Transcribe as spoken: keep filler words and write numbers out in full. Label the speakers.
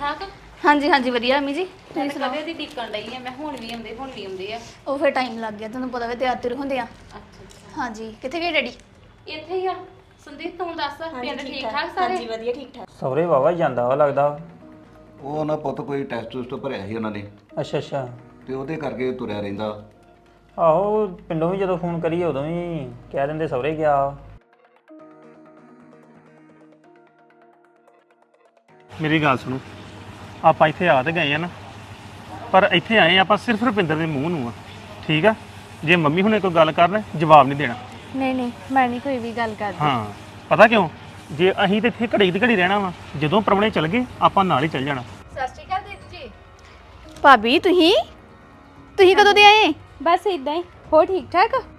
Speaker 1: ਠਾਕ?
Speaker 2: ਹਾਂਜੀ ਹਾਂਜੀ ਵਧੀਆ ਅਮੀ ਜੀ।
Speaker 1: ਤੁਸੀਂ ਸੁਣਾਓ? ਦੀ ਟਿਕਣ ਡਈ ਆ ਮੈਂ ਹੁਣ ਵੀ ਆਉਂਦੇ ਹੁਣ ਵੀ ਆਉਂਦੇ ਆ।
Speaker 2: ਉਹ ਫਿਰ ਟਾਈਮ ਲੱਗ ਗਿਆ ਤੁਹਾਨੂੰ ਪਤਾ ਵੇ ਤਿਆਰ ਤਿਰ ਹੁੰਦੇ ਆ।
Speaker 1: ਅੱਛਾ ਅੱਛਾ
Speaker 2: ਹਾਂਜੀ ਕਿੱਥੇ ਗਏ ਡੈਡੀ?
Speaker 1: ਇੱਥੇ ਹੀ ਆ। ਸੰਦੀਪ ਤੂੰ ਦੱਸ ਪਿੰਡ ਠੀਕ ਠਾਕ ਸਾਰੇ?
Speaker 3: ਹਾਂਜੀ ਵਧੀਆ ਠੀਕ ਠਾਕ।
Speaker 4: ਸਹੁਰੇ ਵਾਵਾ ਜਾਂਦਾ ਵਾ ਲੱਗਦਾ।
Speaker 5: ਉਹ ਨਾ ਪੁੱਤ ਕੋਈ ਟੈਸਟ ਟੂਸਟ ਭਰਿਆ ਸੀ ਉਹਨਾਂ ਨੇ
Speaker 4: ਅੱਛਾ ਅੱਛਾ।
Speaker 5: ਤੇ ਉਹਦੇ ਕਰਕੇ ਤੁਰਿਆ ਰਹਿੰਦਾ।
Speaker 4: ਆਹੋ ਪਿੰਡੋਂ ਵੀ ਜਦੋਂ ਫੋਨ ਕਰੀਏ ਉਦੋਂ ਵੀ ਕਹਿ ਦਿੰਦੇ ਸਹੁਰੇ ਗਿਆ।
Speaker 6: ਮੇਰੀ ਗੱਲ ਸੁਣੋ, ਆਪਾਂ ਇੱਥੇ ਆ ਤੇ ਗਏ ਆ ਨਾ, ਪਰ ਇੱਥੇ ਆਏ ਆਪਾਂ ਸਿਰਫ ਰੁਪਿੰਦਰ ਦੇ ਮੂੰਹ ਨੂੰ ਆ। ਠੀਕ ਆ, ਜੇ ਮੰਮੀ ਹੁਣੇ ਕੋਈ ਗੱਲ ਕਰਨ ਜਵਾਬ ਨਹੀਂ ਦੇਣਾ।
Speaker 2: ਨਹੀਂ ਨਹੀਂ ਮੈਂ ਨਹੀਂ ਕੋਈ ਵੀ ਗੱਲ ਕਰਦੀ।
Speaker 6: ਹਾਂ ਪਤਾ ਕਿਉਂ, ਜੇ ਅਸੀਂ ਤੇ ਇੱਥੇ ਘੜੀ ਦੀ ਘੜੀ ਰਹਿਣਾ ਵਾ, ਜਦੋਂ ਪ੍ਰਾਹੁਣੇ ਚਲ ਗਏ ਆਪਾਂ ਨਾਲ ਹੀ ਚੱਲ ਜਾਣਾ।
Speaker 2: ਸਤਿ ਸ਼੍ਰੀ ਅਕਾਲ ਦੀਦੀ ਜੀ। ਭਾਬੀ ਤੁਸੀਂ ਤੁਸੀਂ ਕਦੋਂ ਦੇ ਆਏ?
Speaker 7: ਬਸ ਇਦਾਂ ਹੀ। ਹੋ ਠੀਕ ਠਾਕ?